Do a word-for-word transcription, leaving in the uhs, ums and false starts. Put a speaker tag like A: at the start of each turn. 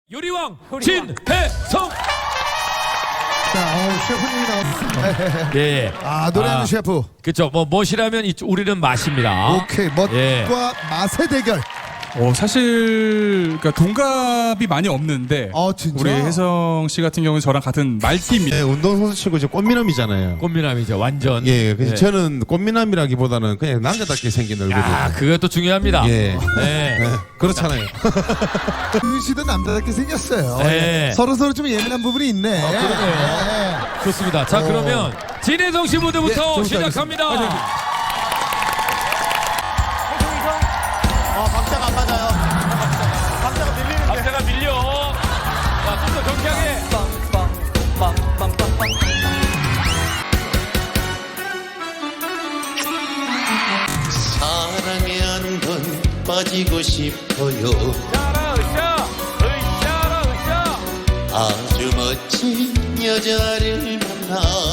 A: 요리왕 진해성.
B: 자, 어, 셰프님이 나왔습니다.
A: 예.
B: 아, 노래하는
A: 아,
B: 셰프.
A: 그쵸. 뭐 멋이라면 이- 우리는 맛입니다.
B: 오케이, 멋과
A: 예.
B: 맛의 대결.
C: 어, 사실 그러니까 동갑이 많이 없는데
B: 어, 진짜?
C: 우리 혜성 씨 같은 경우는 저랑 같은 말띠입니다.
D: 예, 운동선수치고 이제 꽃미남이잖아요.
A: 꽃미남이죠. 완전.
D: 예, 그래서
A: 예.
D: 저는 꽃미남이라기보다는 그냥 남자답게 생긴 얼굴이에요.
A: 아, 그것도 중요합니다.
D: 예.
A: 네.
D: 예, 그렇잖아요.
B: 윤 씨도 남자답게 생겼어요.
A: 네.
B: 서로 서로 좀 예민한 부분이 있네.
A: 아, 그러네요. 좋습니다. 자,
B: 어.
A: 그러면 진해성 씨 무대부터
B: 예,
A: 시작합니다.
E: 어, 박자가 안 맞아요. 박자가 밀리는데.
A: 박자가 밀려. 자, 좀 더 경쾌하게.
F: 사랑에 한 번 빠지고 싶어요.
A: 으쌰라, 으쌰. 으쌰라, 으쌰.
F: 아주 멋진 여자를 만나